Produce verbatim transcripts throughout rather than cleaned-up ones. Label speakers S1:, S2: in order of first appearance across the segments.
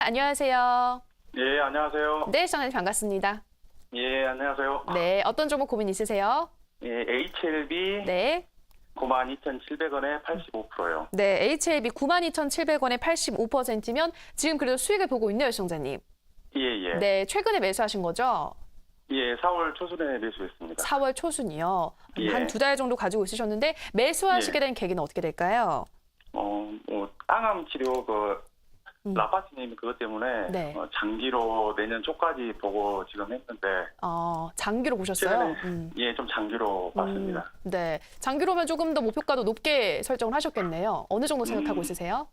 S1: 안녕하세요.
S2: 예, 안녕하세요.
S1: 네, 시청자님 반갑습니다.
S2: 예, 안녕하세요.
S1: 네, 어떤 종목 고민 있으세요?
S2: 예, 에이치엘비
S1: 네.
S2: 구만 이천칠백 원에 팔십오 퍼센트요.
S1: 네, 에이치엘비 구만 이천칠백 원에 팔십오 퍼센트면 지금 그래도 수익을 보고 있네요, 시청자님.
S2: 예, 예.
S1: 네, 최근에 매수하신 거죠?
S2: 예, 사월 초순에 매수했습니다.
S1: 사월 초순이요.
S2: 예.
S1: 한 두 달 정도 가지고 있으셨는데 매수하시게
S2: 예.
S1: 된 계기는 어떻게 될까요?
S2: 어, 뭐 땅암 치료 그
S1: 음.
S2: 라파스님 그것 때문에
S1: 네.
S2: 어, 장기로 내년 초까지 보고 지금 했는데
S1: 어, 장기로 보셨어요?
S2: 최근에
S1: 음.
S2: 예, 좀 장기로 봤습니다.
S1: 음, 네, 장기로면 조금 더 목표가도 높게 설정을 하셨겠네요. 어느 정도 생각하고
S2: 음.
S1: 있으세요?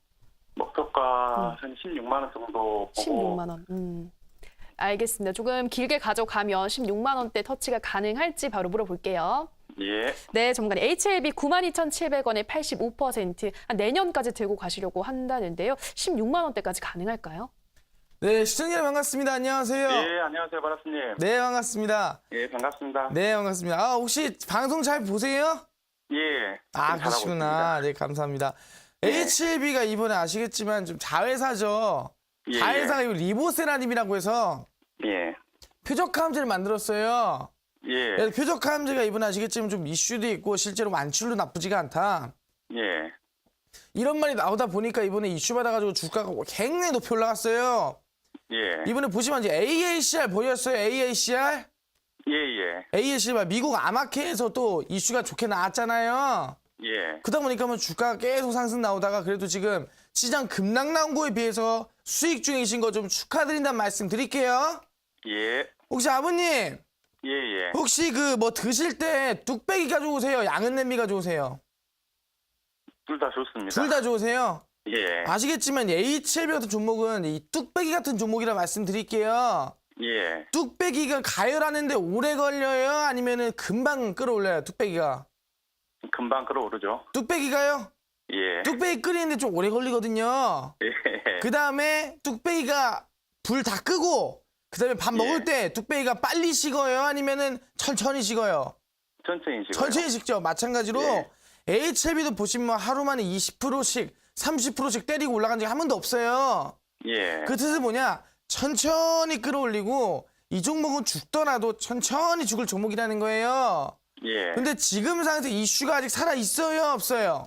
S2: 목표가
S1: 음.
S2: 한 십육만 원 정도 보고
S1: 십육만 원. 음. 알겠습니다. 조금 길게 가져가면 십육만 원대 터치가 가능할지 바로 물어볼게요.
S2: 예.
S1: 네, 전문가님. 에이치엘비 구만 이천칠백 원에 팔십오 퍼센트, 한 내년까지 들고 가시려고 한다는데요. 십육만 원대까지 가능할까요?
S3: 네, 시청자님 반갑습니다. 안녕하세요.
S2: 예, 안녕하세요, 바라스님.
S3: 네, 반갑습니다.
S2: 예, 반갑습니다.
S3: 네, 반갑습니다. 아, 혹시 방송 잘 보세요?
S2: 예.
S3: 아,
S2: 좀 잘하고
S3: 그러시구나. 네, 감사합니다.
S2: 예.
S3: 에이치엘비가 이번에 아시겠지만 좀 자회사죠.
S2: 예,
S3: 자회사가 이 리보세라님이라고 해서
S2: 예.
S3: 표적 함재를 만들었어요.
S2: 예.
S3: 그래서 표적 함재가 이번에 아시겠지만 좀 이슈도 있고 실제로 완출도 나쁘지가 않다.
S2: 예.
S3: 이런 말이 나오다 보니까 이번에 이슈 받아가지고 주가가 굉장히 높이 올라갔어요.
S2: 예.
S3: 이번에 보시면 이제 에이에이씨알 보였어요? 에이에이씨알?
S2: 예, 예.
S3: 에이에이씨알 미국 아마케에서 또 이슈가 좋게 나왔잖아요.
S2: 예.
S3: 그러다 보니까 뭐 주가가 계속 상승 나오다가 그래도 지금 시장 급락 나온 거에 비해서 수익 중이신 거 좀 축하드린다는 말씀 드릴게요.
S2: 예.
S3: 혹시 아버님
S2: 예, 예.
S3: 혹시 그 뭐 드실 때 뚝배기가 좋으세요? 양은 냄비가 좋으세요?
S2: 둘 다 좋습니다.
S3: 둘 다 좋으세요?
S2: 예.
S3: 아시겠지만 에이치엘비 같은 종목은 이 뚝배기 같은 종목이라 말씀드릴게요.
S2: 예.
S3: 뚝배기가 가열하는데 오래 걸려요? 아니면은 금방 끌어올려요? 뚝배기가?
S2: 금방 끌어오르죠.
S3: 뚝배기가요?
S2: 예.
S3: 뚝배기 끓이는데 좀 오래 걸리거든요.
S2: 예.
S3: 그 다음에 뚝배기가 불 다 끄고 그 다음에 밥
S2: 예.
S3: 먹을 때 뚝배기가 빨리 식어요? 아니면은 천천히 식어요?
S2: 천천히 식어요.
S3: 천천히 식죠. 마찬가지로
S2: 예.
S3: 에이치엘비도 보시면 하루 만에 이십 퍼센트씩 삼십 퍼센트씩 때리고 올라간 적이 한 번도 없어요.
S2: 예.
S3: 그 뜻은 뭐냐? 천천히 끌어올리고 이 종목은 죽더라도 천천히 죽을 종목이라는 거예요.
S2: 예.
S3: 근데 지금 상태에서 이슈가 아직 살아있어요? 없어요?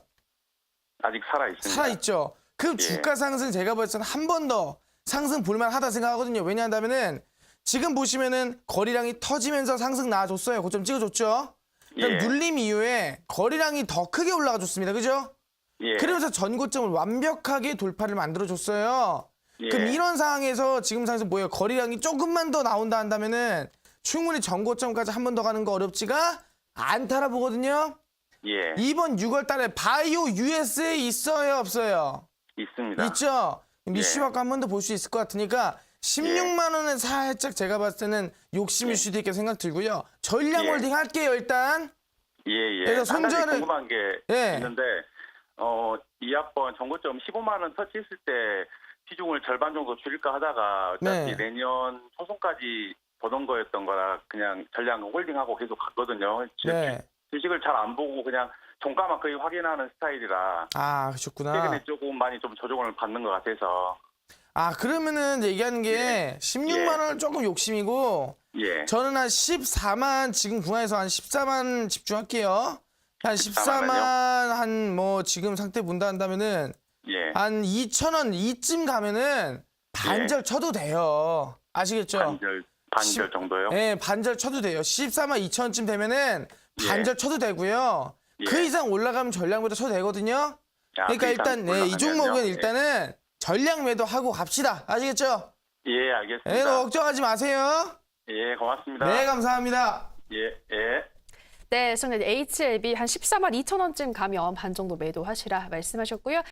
S2: 아직 살아 있습니다.
S3: 살아있죠. 그
S2: 예.
S3: 주가 상승 제가 봤을 때는 한 번 더 상승 볼만하다 생각하거든요. 왜냐하면은 지금 보시면은 거리량이 터지면서 상승 나와줬어요. 고점 찍어줬죠. 그럼
S2: 예.
S3: 눌림 이후에 거리량이 더 크게 올라가 줬습니다. 그죠?
S2: 예.
S3: 그러면서 전고점을 완벽하게 돌파를 만들어줬어요.
S2: 예.
S3: 그럼 이런 상황에서 지금 상황에서 뭐예요? 거리량이 조금만 더 나온다 한다면은 충분히 전고점까지 한 번 더 가는 거 어렵지가 않다라 보거든요.
S2: 예.
S3: 이번 유월 달에 바이오 유에스에 있어요? 없어요?
S2: 있습니다.
S3: 있죠? 이슈
S2: 예.
S3: 받고 한 번 더 볼 수 있을 것 같으니까 십육만 원은 살짝 제가 봤을 때는 욕심일
S2: 예.
S3: 수도 있게 생각 들고요. 전량
S2: 예.
S3: 홀딩 할게요, 일단.
S2: 예, 예.
S3: 그래서
S2: 한 가지
S3: 손절을-
S2: 궁금한 게
S3: 예.
S2: 있는데 어, 이 학번 정고점 십오만 원 터치했을 때 비중을 절반 정도 줄일까 하다가 어차피
S3: 네.
S2: 내년 초순까지 보던 거였던 거라 그냥 전량 홀딩하고 계속 갔거든요.
S3: 네.
S2: 주식을 잘 안 보고 그냥 종가만 거의 확인하는 스타일이라
S3: 아, 그러셨구나.
S2: 최근에 조금 많이 좀 조정을 받는 것 같아서
S3: 아, 그러면은 이제 얘기하는 게 십육만 원은 조금 욕심이고
S2: 예.
S3: 저는 한 십사만 지금 구간에서 한 십사만 집중할게요. 한 십사만 한 뭐 지금 상태 본다 한다면은
S2: 예.
S3: 한 이천 원 이쯤 가면은 반절 쳐도 돼요. 아시겠죠?
S2: 반절 반절
S3: 십-
S2: 정도요?
S3: 네, 반절 쳐도 돼요. 십사만 이천 원쯤 되면은
S2: 예.
S3: 반절 쳐도 되고요.
S2: 예.
S3: 그 이상 올라가면 전량 매도 쳐도 되거든요.
S2: 아,
S3: 그러니까
S2: 그 이상
S3: 일단 네, 이
S2: 올라가면요?
S3: 종목은
S2: 예.
S3: 일단은 전량 매도하고 갑시다. 아시겠죠?
S2: 예, 알겠습니다.
S3: 네, 너무 걱정하지 마세요.
S2: 예, 고맙습니다.
S3: 네, 감사합니다.
S2: 예, 예.
S1: 네, 시청자님. 에이치엘비 한 십사만 이천 원쯤 가면 반 정도 매도하시라 말씀하셨고요.